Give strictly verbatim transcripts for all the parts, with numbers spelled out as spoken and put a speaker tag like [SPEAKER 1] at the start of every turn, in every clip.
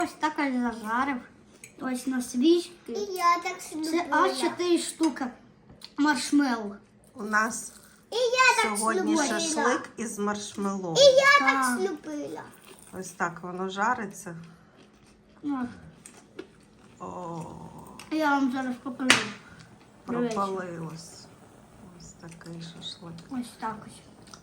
[SPEAKER 1] Ось так ось зажарив. Ось на свічки.
[SPEAKER 2] І я так слюбила.
[SPEAKER 1] Це аж чотири штуки маршмеллоу.
[SPEAKER 3] У нас
[SPEAKER 2] І я так
[SPEAKER 3] сьогодні
[SPEAKER 2] слюбила.
[SPEAKER 3] шашлик із маршмеллоу.
[SPEAKER 2] І я
[SPEAKER 1] Так.
[SPEAKER 2] так слюбила.
[SPEAKER 3] Ось так воно жариться.
[SPEAKER 1] От.
[SPEAKER 3] О,
[SPEAKER 1] Я вам зараз покажу. Дивіться.
[SPEAKER 3] пропалилось. Ось такий шашлик.
[SPEAKER 1] Ось так ось.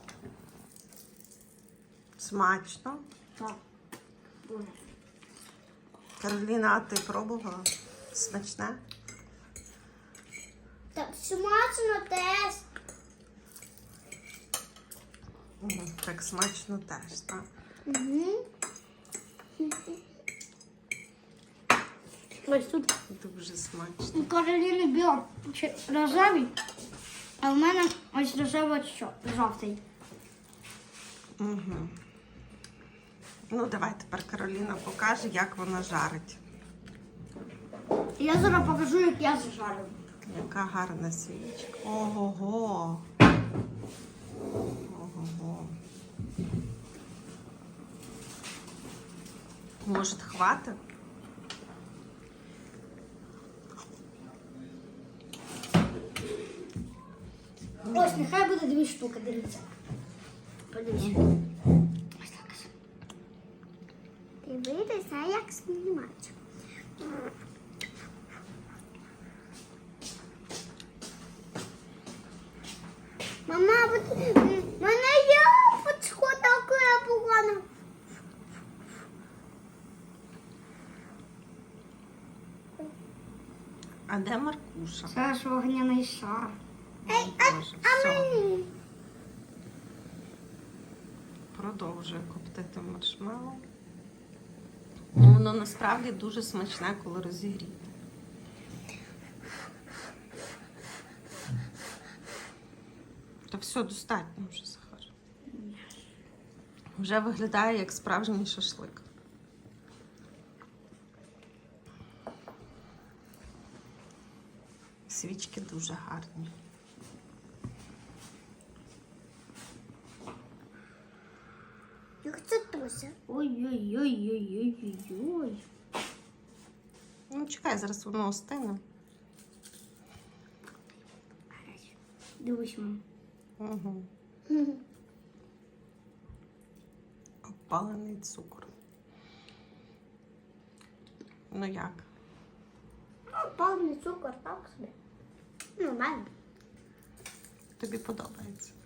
[SPEAKER 3] Смачно.
[SPEAKER 1] Так. Дуже.
[SPEAKER 3] Кароліна, а ти пробувала? Смачне?
[SPEAKER 2] Так смачно теж.
[SPEAKER 3] Мгм, так смачно теж, так?
[SPEAKER 2] Угу.
[SPEAKER 1] Ось тут
[SPEAKER 3] Дуже смачно.
[SPEAKER 1] у Кароліни біло чи рожевий, а в мене ось рожево що, жовтий.
[SPEAKER 3] Угу. Ну, давай тепер Кароліна покаже, як вона жарить.
[SPEAKER 1] Я зараз покажу, як я зажарю.
[SPEAKER 3] Яка гарна свічка. Ого-го. Ого-го. Може, хватить?
[SPEAKER 1] Ось, нехай буде дві штуки, дивіться. Подивіться. Ось так ось.
[SPEAKER 2] Дивитися, як знімати. Мама, от в мене є фоточко таке погане.
[SPEAKER 3] А де Маркуша?
[SPEAKER 1] Це ж вогняний шар.
[SPEAKER 2] Ей,
[SPEAKER 3] О,
[SPEAKER 2] а,
[SPEAKER 3] Боже,
[SPEAKER 2] а
[SPEAKER 3] все.
[SPEAKER 2] мені?
[SPEAKER 3] Продовжує коптити маршмеллоу. Ну, воно насправді дуже смачне, коли розігріте. Та все, достатньо вже, Захар. Вже виглядає як справжній шашлик. Свічки дуже гарні.
[SPEAKER 2] Як це Тося?
[SPEAKER 1] Ой-ой-ой-ой-ой-ой.
[SPEAKER 3] Ну, чекай, зараз воно остине.
[SPEAKER 1] Дивись, мам.
[SPEAKER 3] Угу. Опалений цукор. Ну як?
[SPEAKER 2] Повний цукор, так собі. Нормально.
[SPEAKER 3] Тобі подобається?